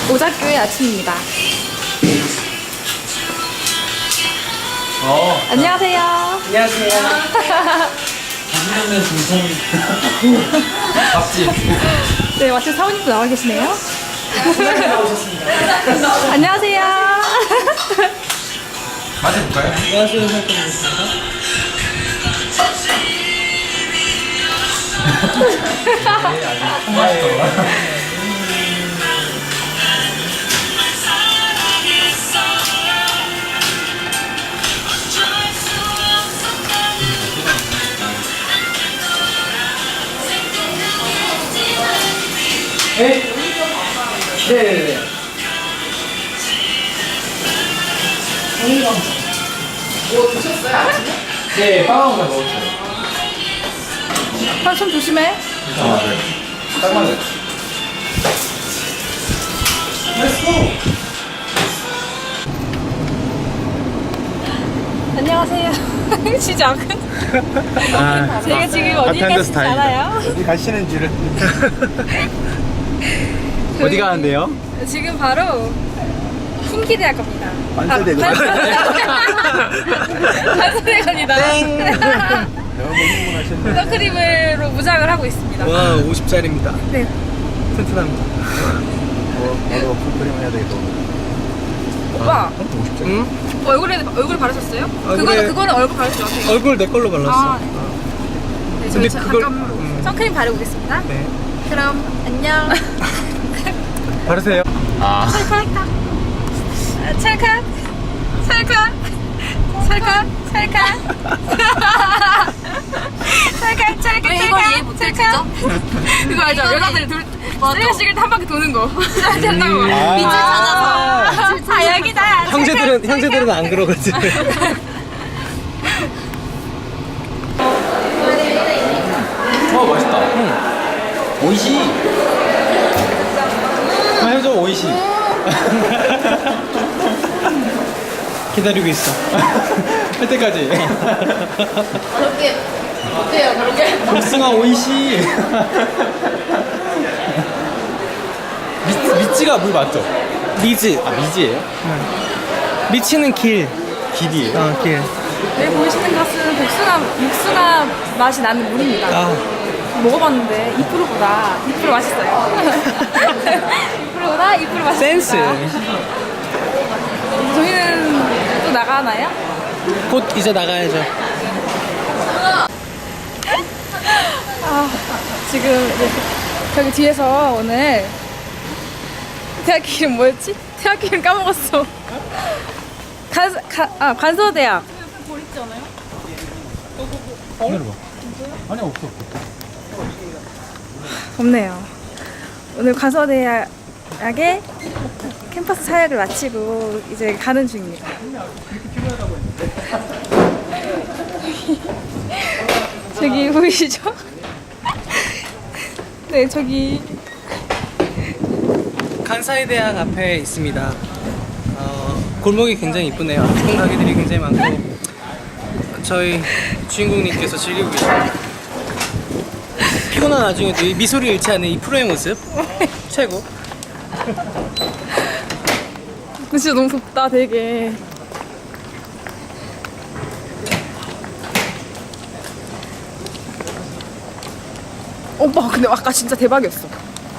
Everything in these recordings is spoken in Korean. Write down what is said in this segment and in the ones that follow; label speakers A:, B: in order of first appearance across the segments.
A: 오작교의 아침입니다. 안녕하세요.
B: 안녕하세요. 장난면 중성 밥집.
A: 네, 마침 사모님도 나와 계시네요.
B: 나오셨습니다.
A: 안녕하세요.
B: 맞아볼까요? 안녕하세요. 살펴보겠습니다. 네, 아주 통화했더라. 네? 네네네.
C: 뭐 드셨어요? 아침에?
B: 네, 빵하고 먹었어요.
A: 손 조심해.
B: 아, 네. 딱 맞아요. 렛츠고!
A: 안녕하세요. 시작은? 제가 지금 어디
D: 아테한데서
A: 가신지 알아요?
D: 어디 가시는지를. 어디 가는데요?
A: 지금 바로 훈기대학 갑니다.
D: 관세대고.
A: 관세대 갑니다. 선크림으로 무장을 하고 있습니다.
D: 와, 50짜리입니다.
A: 네.
D: 튼튼합니다. 나도 풀크림 해야 되겠다.
A: 오빠,
D: 50짜리.
A: 응? 얼굴 바르셨어요?
D: 얼굴에-
A: 그거는 얼굴 바르지 마세요.
D: 얼굴 내 걸로 발랐어.
A: 아, 네, 저희
D: 근데 그걸-
A: 잠깐 선크림 바르고 오겠습니다.
D: 네.
A: 그럼 안녕.
D: 바르세요. 아.
A: 찰칵, 찰칵, 찰칵, 찰칵, 찰칵, 찰칵,
C: 왜 이걸 이해 못했죠?
A: 그거 알죠? 여자들이 쓰레기식을 한 바퀴 도는 거. 된다고.
C: 빛을
A: 아,
C: 찾아서.
A: 여기다.
D: 형제들은 안 그러거든.
B: 맛있다. 오이시.
D: 해줘, 오이시. 기다리고 있어. 할 때까지.
C: 그렇게 어때요? 그렇게?
D: 복숭아 오이시. 미찌가 물 맞죠? 미즈. 아, 미지예요? 미치는 길. 길이에요? 길.
A: 여기 보이시는 것은 복숭아 맛이 나는 물입니다.
D: 아,
A: 먹어봤는데 2%보다 맛있어요. 2%보다 2% 맛있어요.
D: 센스.
A: 저희는 또 나가나요?
D: 곧 이제 나가야죠.
A: 지금 이제 저기 뒤에서 오늘 대학 이름 뭐였지? 대학 이름 까먹었어. 관서대학.
D: 기다려봐. 아니, 없어.
A: 없네요. 오늘 관서대학의 캠퍼스 사역을 마치고 이제 가는 중입니다. 저기 보이시죠? 네, 저기
D: 간사이 대학 앞에 있습니다. 골목이 굉장히 이쁘네요. 예쁜 가게들이 굉장히 많고 저희 주인공님께서 즐기고 계십니다. 피곤한 와중에도 이 미소를 잃지 않는 이 프로의 모습 최고.
A: 근데 진짜 너무 덥다, 되게. 오빠, 근데 아까 진짜 대박이었어.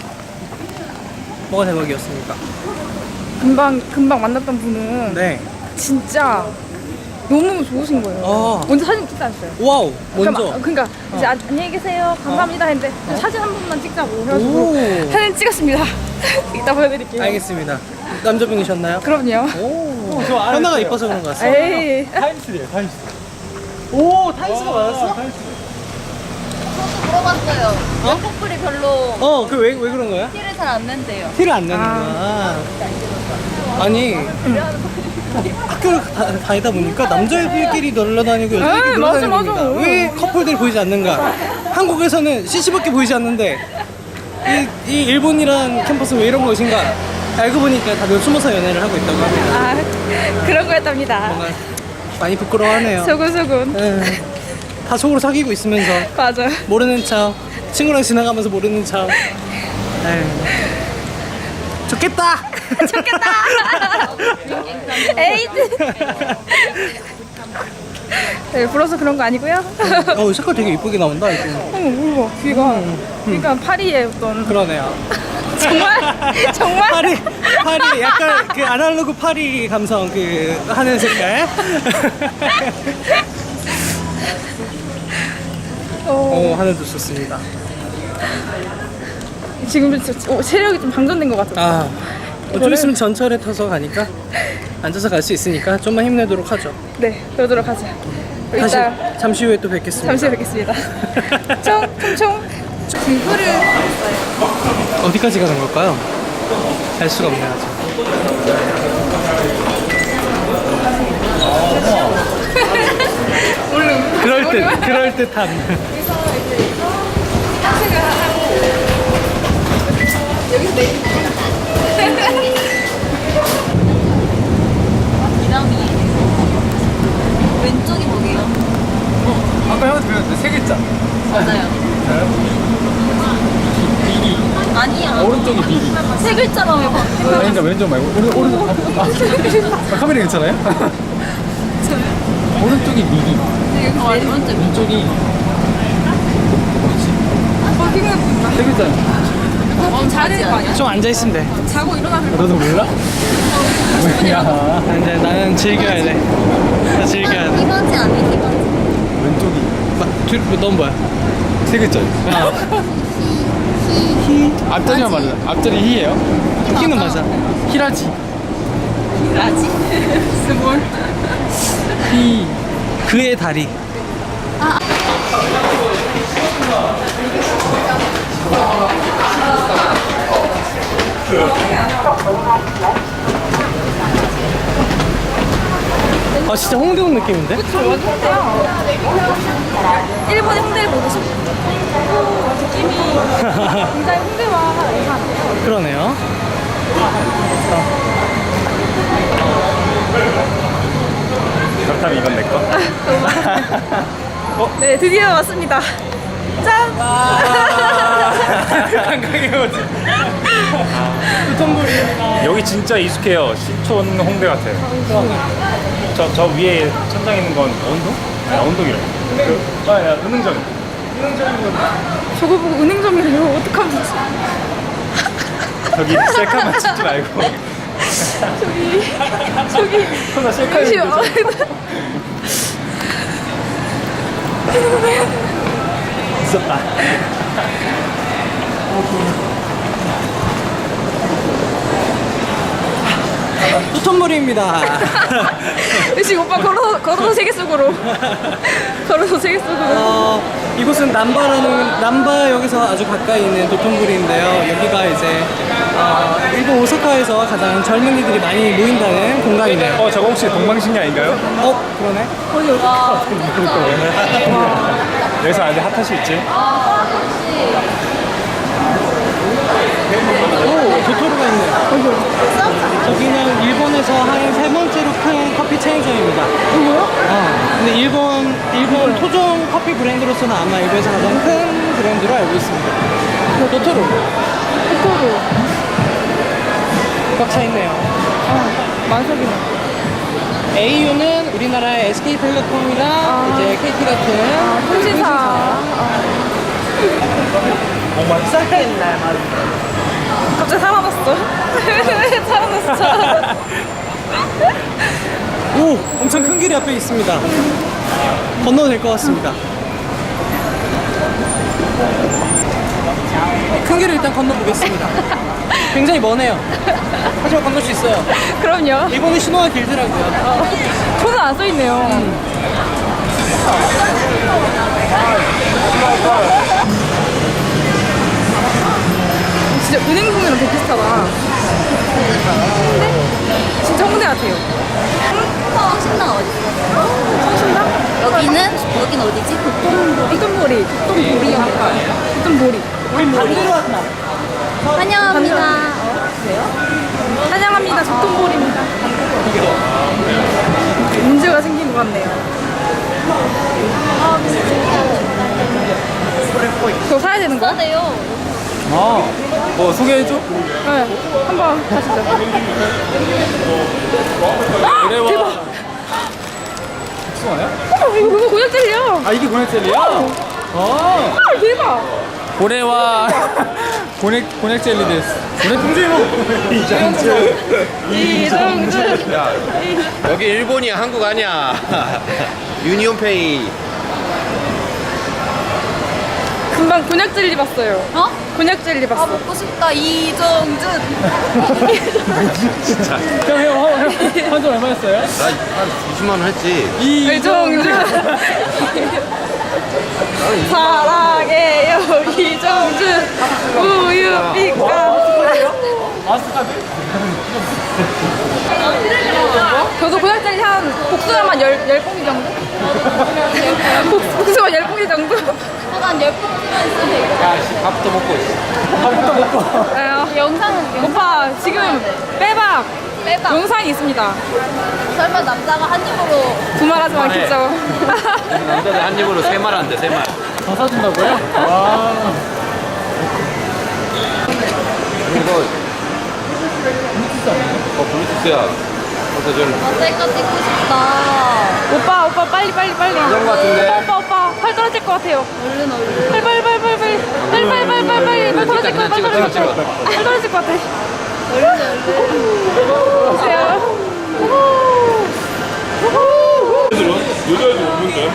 D: 뭐가 대박이었습니까?
A: 금방 만났던 분은
D: 네.
A: 진짜 너무 좋으신 거예요. 먼저 사진 찍자셨어요.
D: 와우. 먼저.
A: 그러니까 이제 안녕히 계세요. 감사합니다 했는데 사진 한 번만 찍자고 해가지고
D: 오.
A: 사진 찍었습니다. 이따 보여드릴게요.
D: 알겠습니다. 남자분이셨나요?
A: 그럼요.
D: 오. 현아가 이뻐서 그런 것 같습니다.
A: 에이.
D: 타임스래요, 타임스. 오, 타임스가 맞았어?
C: 물어봤어요. 커플이 별로
D: 왜 그런 거야?
C: 티를 잘 안 낸대요.
D: 티를 안 내는구나. 아니, 학교를 다니다 보니까 남자애들끼리 놀러 다니고 여자애들끼리 놀러
A: 맞아,
D: 다닙니다.
A: 맞아.
D: 왜 커플들이 보이지 않는가? 한국에서는 CC밖에 보이지 않는데 이 일본이란 캠퍼스는 왜 이런 것인가? 알고 보니까 다들 숨어서 연애를 하고 있다고 합니다.
A: 그런 거였답니다.
D: 뭔가 많이 부끄러워하네요.
A: 소곤소곤.
D: 다 속으로 사귀고 있으면서
A: 맞아.
D: 모르는 척 친구랑 지나가면서 모르는 척. 좋겠다.
A: 좋겠다. 에이드. 네, 불어서 그런 거 아니고요.
D: 색깔 되게 이쁘게 나온다 이거.
A: 우와, 귀가. 그러니까 파리의 어떤
D: 그러네요.
A: 정말
D: 파리 약간 그 아날로그 파리 감성 그 하는 색깔. 하늘도 좋습니다.
A: 지금 체력이 좀 방전된 것 같아요.
D: 좀 있으면 전철에 타서 가니까 앉아서 갈 수 있으니까 좀만 힘내도록 하죠.
A: 네, 그러도록 하죠.
D: 다시
A: 이따
D: 잠시 후에 또 뵙겠습니다.
A: 잠시 후에 뵙겠습니다. 총총총. 등불을
D: 어디까지 가는 걸까요? 알 수가 없네 아직. 그럴 듯한.
A: 여기서 내리는
C: 이남이 왼쪽이 뭐게요?
B: 아까 형한테 배웠는데 세 글자.
C: 맞아요. 아니야.
B: 오른쪽이 미리.
C: 세 글자라며 봐.
B: 그러니까 왼쪽 말고 오른쪽. 카메라 괜찮아요? 오른쪽이 미리.
C: 오른쪽.
B: 왼쪽이 세 글자.
A: 자야 되는 거 아니야?
D: 좀 앉아 있으면 돼.
A: 자고 일어나서
B: 너도 몰라? 뭐야?
D: 이제 나는 즐겨야 돼. 나 즐겨야 돼.
C: 이번지 아니야, 이번지.
B: 왼쪽이
D: 넌 뭐야?
B: 세 글자. 앞자리만 맞아. 앞자리 희예요?
D: 키는 맞아.
B: 히라지.
C: 라지?
A: 스몰.
D: 히. 그의 다리. 진짜 홍대 온 느낌인데?
A: 그쵸, 완전 홍대야. 일본의 홍대를 보고 싶어. 느낌이 굉장히 홍대와 유사한데요.
D: 그러네요.
B: 그렇다면 이건 내 거.
A: 네, 드디어 왔습니다. 짠!
D: 한강에 오지. 두통불입니다.
E: 여기 진짜 익숙해요. 신촌 홍대 같아요. 저 위에 천장 있는 건 언동? 아니 언동이래. 은흥점.
A: 저거 보고 은행점이래요. 어떡하면 좋지?
E: 저기 셀카만 찍지 말고.
A: 저기.
E: 나 셀카
A: 잠시만.
E: 있었다.
D: 두통불입니다.
A: 지금 오빠 걸어서 세계 속으로. 걸어서 세계 속으로.
D: 이곳은 남바역에서 아주 가까이 있는 도톤부리인데요. 여기가 이제 일본 오사카에서 가장 젊은이들이 많이 모인다는 공간이네요.
E: 저거 혹시 동방신기 아닌가요?
D: 그러네.
E: 여기서 안에 핫핫이 있지?
D: 도토로가 있네요. 저기는 일본에서 한 세 번째로 큰 커피 체인점입니다.
A: 뭐요?
D: 근데 일본 토종 커피 브랜드로서는 아마 일본에서 가장 큰 브랜드로 알고 있습니다. 도토로. 꽉 차 있네요.
A: 만석이네.
D: AU는 우리나라의 SK텔레콤이랑 이제 KT 같은
A: 통신사. 갑자기 살아났어. 살아났어.
D: 오! 엄청 큰 길이 앞에 있습니다. 건너도 될 것 같습니다. 큰 길을 일단 건너보겠습니다. 굉장히 머네요. 하지만 건널 수 있어요.
A: 그럼요.
D: 일본의 신호가 길더라고요.
A: 손은 안 써있네요. 진짜 은행동이랑 되게 비슷하다. 홍대? 진짜 홍대 같아요.
C: 성신당 어디 있어?
A: 성신당?
C: 여기는 어디지?
A: 도톤보리. 도톤보리.
D: 우리 반대로 왔다.
C: 환영합니다.
A: 환영합니다. 도톤보리입니다. 문제가 생긴 것 같네요. 그거 사야 되는 거야?
C: 비싸네요.
B: 뭐 소개해줘?
A: 네, 한번 가시죠.
B: 그래와.
A: 대박.
B: 복숭아야?
A: 이거 곤약 젤리야.
B: 아, 이게 고넥 젤리야? 아,
A: 대박.
B: 고래와 고넥 젤리 데스. 고넥 풍주요.
A: 이정준.
F: 야, 여기 일본이야, 한국 아니야. 유니온페이.
A: 금방 곤약 젤리 봤어요.
C: 어?
A: 곤약 젤리
C: 아
A: 봤어.
C: 먹고 싶다 이정준.
B: 형, 한점 얼마였어요?
F: 나한 20만 원 했지.
A: 이정준. 사랑해요 이정준. 우유빛깔.
B: 마스카드?
A: 저도 곤약 젤리 한 복숭아만 10봉지 정도? 복숭아 10봉지 정도?
C: 한 10봉지만 있으면 되겠다.
F: 야, 밥부터 먹고 있어.
C: 영상은
A: 오빠 지금 빼박
C: 빼봐.
A: 영상이 있습니다.
C: 설마 남자가 한 입으로
A: 두말하지 마
F: 그만해.
A: 진짜.
F: 남자들 한 입으로 3말 안 돼, 3말.
B: 더 사준다고요? 와.
F: 이거. 블루투스야. 그래서 좀.
C: 어떨까 찍고 싶다.
A: 오빠 빨리.
F: 이런 거 같은데?
A: 오빠 팔 떨어질 것 같아요.
C: 얼른.
A: 빨리 팔 떨어질 것 같아.
F: 찍어.
A: 팔 떨어질 것 같아. 보세요.
E: 여자애도 없는데?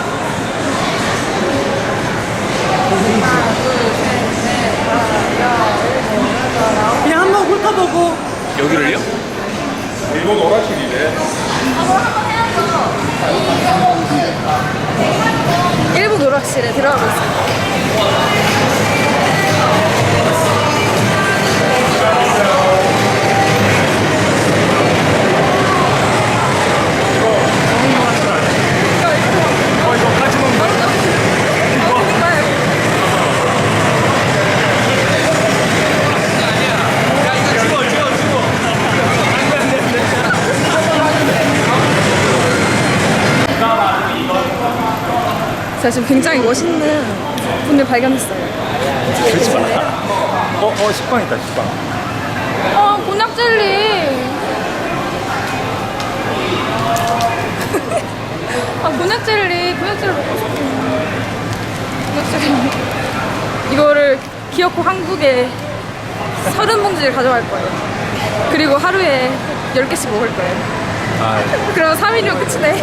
D: 그냥 한번 훑어보고.
F: 여기를요?
E: 일본 오락실이래.
A: 일부 노락실에 들어가고 있어요. 제가 지금 굉장히 멋있는 분을 발견했어요.
E: 그렇지 마. 식빵 있다, 식빵.
A: 곤약 젤리. 곤약 젤리 먹고 싶어. 곤약 젤리. 이거를 기어코 한국에 30봉지를 가져갈 거예요. 그리고 하루에 10개씩 먹을 거예요. 그럼 3일이면 끝이네.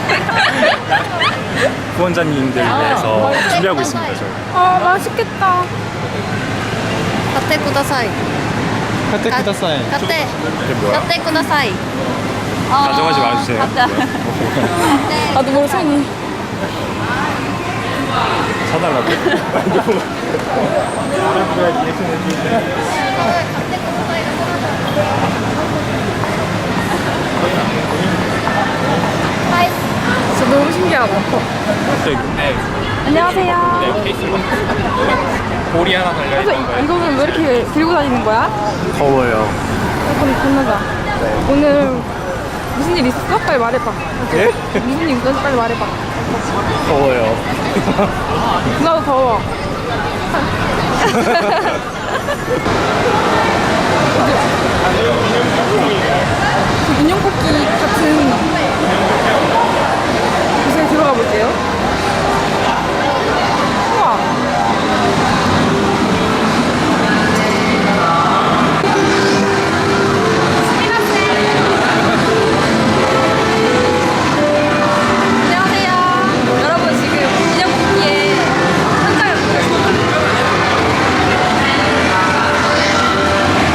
E: 후원자님들 위해서 준비하고 있습니다, 저희.
A: 맛있겠다.
C: 가테 쿠다사이.
B: 카테 쿠다사이.
C: 가테.
E: 이게 뭐야?
C: 가테 쿠다사이.
E: 가져가지 마주세요.
C: 가테.
A: 나도 모르 손이.
E: 사달라고.
A: 진짜 너무 신기하다. 안녕하세요.
F: 볼이 하나 달려.
A: 이거는 왜 이렇게 들고 다니는 거야?
F: 더워요.
A: 건너자. 오늘 무슨 일 있었어? 빨리 말해봐.
F: 예?
A: 무슨 일 있었어? 빨리 말해봐.
F: 더워요.
A: 나도 더워. 그 인형 뽑기 같은 곳에 들어가 볼게요. 우와. 안녕하세요. 여러분 지금 인형 뽑기에 현장을 보고 있습니다.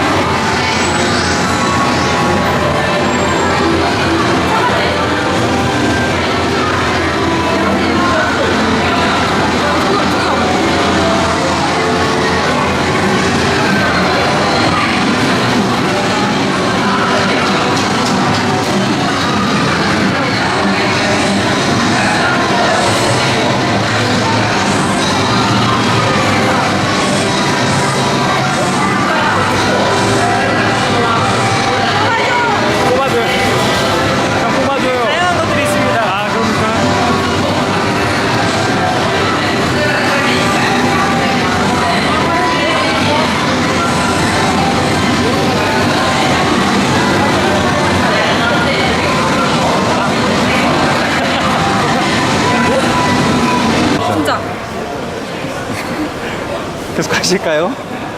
E: 계속 하실까요?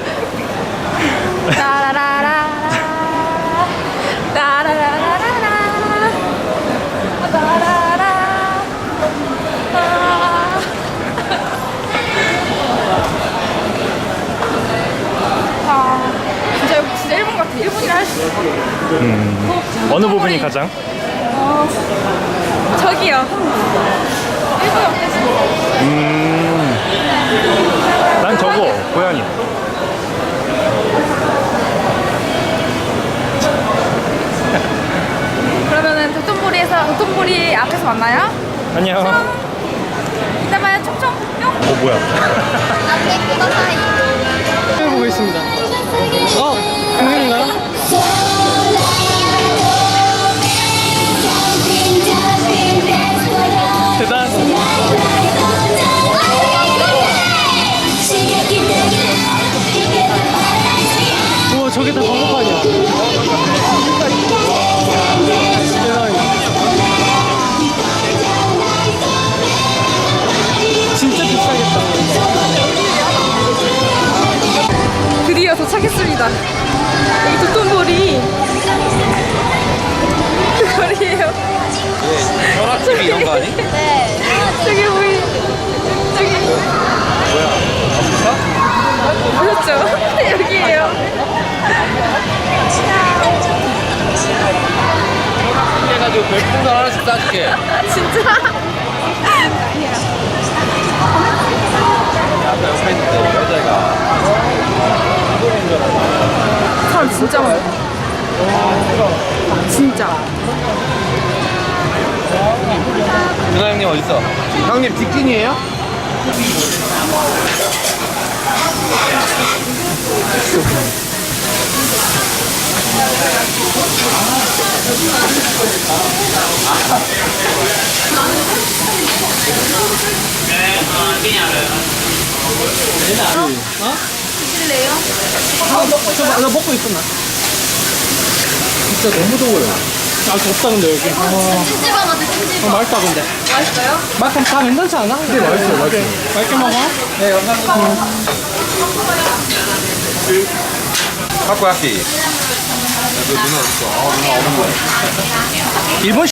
A: 따라라라라 따라라라라 따라라 진짜 일본 같아. 일본이라 할 수 있어.
E: 어느 부분이 가장?
A: 저기요. 일본 옆에서.
E: 난 저거 고양이.
A: 그러면은 도톤보리 앞에서 만나요?
E: 안녕.
A: 이따 봐요. 총총 뿅.
E: 뭐야?
C: 라떼 쿠다사이.
D: 해보고 있습니다. 공연인가요? 대단. 우와, 저게 다 광고판이야. 진짜 비싸겠다.
A: 드디어 도착했습니다. 여기 도톤보리 그 거리에요.
F: 혈압집이 이런 거 아니?
C: 네.
A: 저기 보이 저기
F: 뭐야? 아프리카?
A: 그렇죠. 여기에요.
F: 해가지고 별풍선 하나씩 쏴줄게.
A: 진짜
F: 아까 옆에 있는데 여자애가.
A: 사람 진짜 많아. 진짜.
F: 준하 형님 어딨어? 형님 직진이에요?
C: 드실래요?
D: 나 먹고 있었나?
B: 진짜 너무 더워요.
D: 아, 덥다, 근데 여기.
C: 찜질방 가자, 찜질방.
D: 맛있다, 근데.
A: 맛있어요?
D: 맛 다 괜찮지 않아? 네,
B: 맛있어요, 맛있어요.
D: 맛있게 먹어. 네, 감사합니다.
F: 타코야끼. 너 누나 어딨어? 누나 오는 거야.
D: 일본